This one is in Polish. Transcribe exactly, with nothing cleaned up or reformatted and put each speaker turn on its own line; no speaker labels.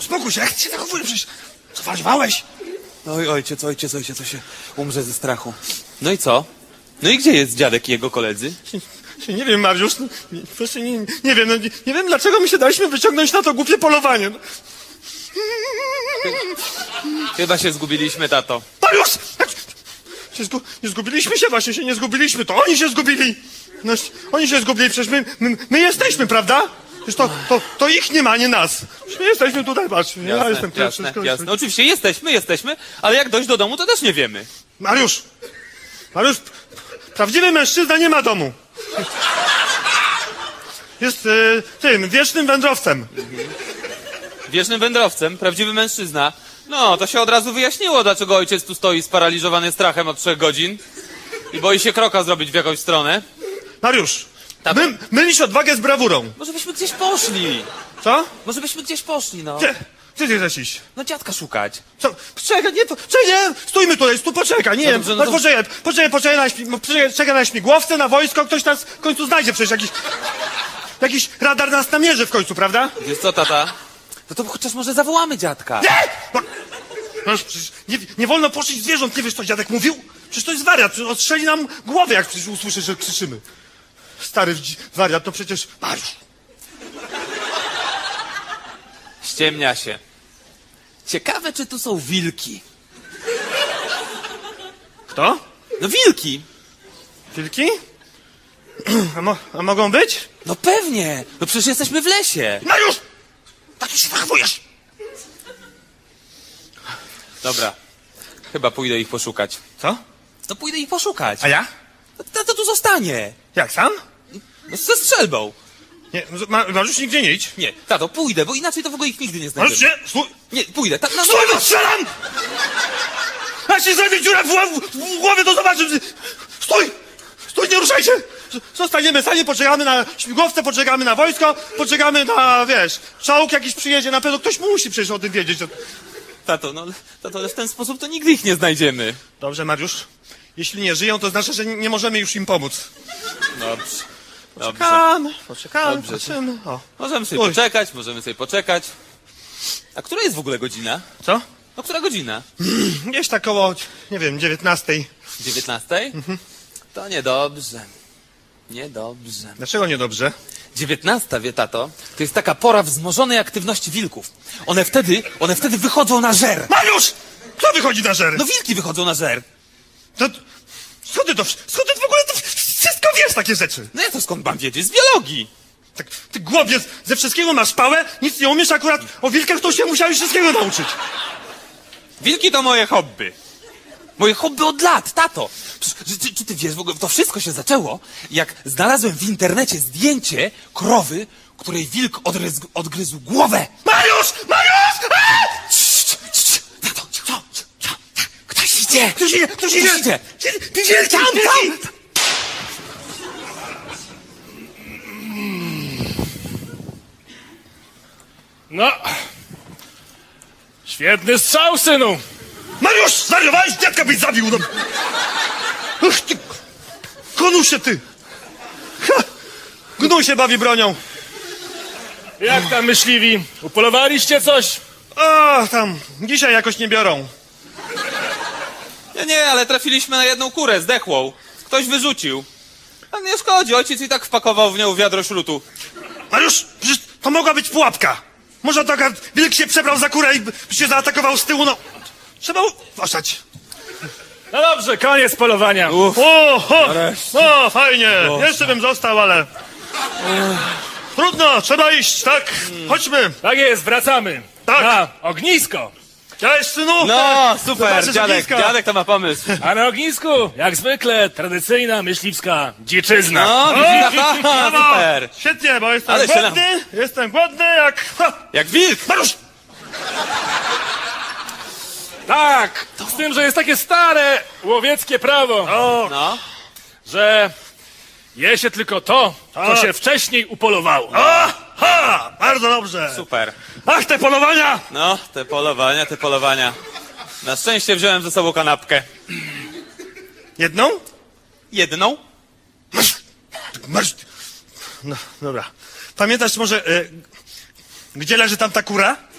spokój się, jak ty się zachowujesz? Przecież zwariowałeś.
Oj, ojciec, ojciec, ojciec, to się umrze ze strachu. No i co? No i gdzie jest dziadek i jego koledzy?
Nie wiem, Mariusz, no, nie, proszę, nie, nie wiem, no, nie, nie wiem, dlaczego my się daliśmy wyciągnąć na to głupie polowanie. No.
Chyba się zgubiliśmy, tato.
Mariusz! Jak się zgu, nie zgubiliśmy się, właśnie się nie zgubiliśmy, to oni się zgubili. No, oni się zgubili, przecież my, my, my jesteśmy, prawda? Przecież to, to, to ich nie ma, nie nas. Przecież my jesteśmy tutaj, patrz, ja
Jasne,
jestem pierwszy.
jasne, jasne. Oczywiście jesteśmy, jesteśmy, ale jak dojść do domu, to też nie wiemy.
Mariusz! Mariusz, prawdziwy mężczyzna nie ma domu. Jest y, tym, wiecznym wędrowcem.
Wiecznym wędrowcem, prawdziwy mężczyzna. No, to się od razu wyjaśniło, dlaczego ojciec tu stoi sparaliżowany strachem od trzech godzin i boi się kroka zrobić w jakąś stronę.
Mariusz,
Tak.
my, mylisz odwagę z brawurą.
Może byśmy gdzieś poszli.
Co?
Może byśmy gdzieś poszli, no.
Gdzie? Gdzie ty chcesz iść?
No dziadka szukać.
Co? Poczekaj, nie, po, czekaj, nie, stójmy tutaj, tu poczekaj, nie,
No
no
dobrze, no to-
poczekaj, poczekaj, poczekaj na, śmi, poczekaj, czekaj na śmigłowce, na wojsko, ktoś nas w końcu znajdzie przecież, jakiś, jakiś radar nas namierzy w końcu, prawda?
Wiesz co, tata? No to chociaż może zawołamy dziadka.
Nie! No, no przecież nie, nie wolno poszyć zwierząt, nie wiesz co dziadek mówił? Przecież to jest wariat, przecież odstrzeli nam głowę, jak przecież usłyszy, że krzyczymy. Stary wdzi- wariat, to przecież, Mariusz,
Ściemnia się. Ciekawe, czy tu są wilki.
kto?
No wilki!
Wilki? A, mo, a mogą być?
No pewnie! No przecież jesteśmy w lesie.
Mariusz! Tak się zachowujesz!
Dobra. Chyba pójdę ich poszukać.
Co?
No pójdę ich poszukać.
A ja?
No tato tu zostanie.
Jak, sam?
No ze strzelbą.
Nie, Ma, Mariusz, nigdzie nie idź.
Nie, tato, pójdę, bo inaczej to w ogóle ich nigdy nie
Mariusz,
znajdziemy.
nie, stój!
Nie, pójdę. Ta, no,
Stój,
no,
no strzelam! Jak się zrobi dziura w, w, w głowie, to zobaczysz. Stój! Stój, nie ruszaj się! Zostaniemy sami, poczekamy na śmigłowce, poczekamy na wojsko, poczekamy na, wiesz, czołg jakiś przyjedzie, na pewno ktoś musi przecież o tym wiedzieć.
tato, no, tato, ale w ten sposób to nigdy ich nie znajdziemy.
Dobrze, Mariusz. Jeśli nie żyją, to znaczy, że nie, nie możemy już im pomóc.
Dobrze. Dobrze.
Poczekamy, poczekamy,
Dobrze.
patrzymy. O.
Możemy sobie
Oj.
poczekać, możemy sobie poczekać. A która jest w ogóle godzina?
Co?
No, która godzina?
Gdzieś tak koło, nie wiem, dziewiętnastej.
dziewiętnastej? Mhm. To niedobrze. Niedobrze.
Dlaczego niedobrze?
dziewiętnasta, wie tato, to jest taka pora wzmożonej aktywności wilków. One wtedy, one wtedy wychodzą na żer.
Mariusz! Kto wychodzi na żer?
No wilki wychodzą na żer.
To, skąd ty to, skąd ty w ogóle to wszystko wiesz, takie rzeczy?
No ja to skąd mam wiedzieć? Z biologii.
Tak, ty głowiec, ze wszystkiego masz pałę, nic nie umiesz, akurat o wilkach to się musiałeś wszystkiego nauczyć.
Wilki to moje hobby. Moje hobby od lat, tato. Przecież, czy, czy ty wiesz, w ogóle to wszystko się zaczęło, jak znalazłem w internecie zdjęcie krowy, której wilk odgryzł, odgryzł głowę.
Mariusz! Mariusz! A!
Cii, cii, cii. Tato, co, co, co? Ktoś idzie.
Ktoś idzie, ktoś idzie!
Ktoś idzie.
Wielki,
Tam,
wielki!
tam.
No. Świetny strzał, synu.
Mariusz, zwariowałeś? Dziadka byś zabił! No. Ach, ty... Konusie, ty! Ha! Gnój się bawi bronią.
Jak tam myśliwi? Upolowaliście coś?
O, tam, dzisiaj jakoś nie biorą.
Nie, nie, ale trafiliśmy na jedną kurę zdechłą. Ktoś wyrzucił. A nie szkodzi, ojciec i tak wpakował w nią wiadro śrutu.
Mariusz, przecież to mogła być pułapka. Może to akurat wilk się przebrał za kurę i się zaatakował z tyłu, no. Trzeba uważać.
No dobrze, koniec polowania.
Uff.
O, o,
Nareszcie.
o, fajnie. Jeszcze bym został, ale... Trudno, trzeba iść, tak? Chodźmy.
Tak jest, wracamy.
Tak.
Na ognisko.
Cześć, synu.
No,
Tak.
super,
Zobaczysz
dziadek,
ognisko.
dziadek to ma pomysł.
A na ognisku, jak zwykle, tradycyjna myśliwska dziczyzna.
No, widzisz, tata,
Brawo.
super.
Świetnie, bo jestem
Ale się
głodny, jestem głodny jak... Ha.
Jak wilk.
Mariusz!
Tak, z tym, że jest takie stare łowieckie prawo,
O,
No,
że je się tylko to, co
Tak.
się wcześniej upolowało.
o, ha, bardzo dobrze.
super.
Ach, te polowania!
No, te polowania, te polowania. Na szczęście wziąłem ze sobą kanapkę.
Jedną?
Jedną?
Marsz. No, dobra. Pamiętasz może, e, gdzie leży tam ta kura?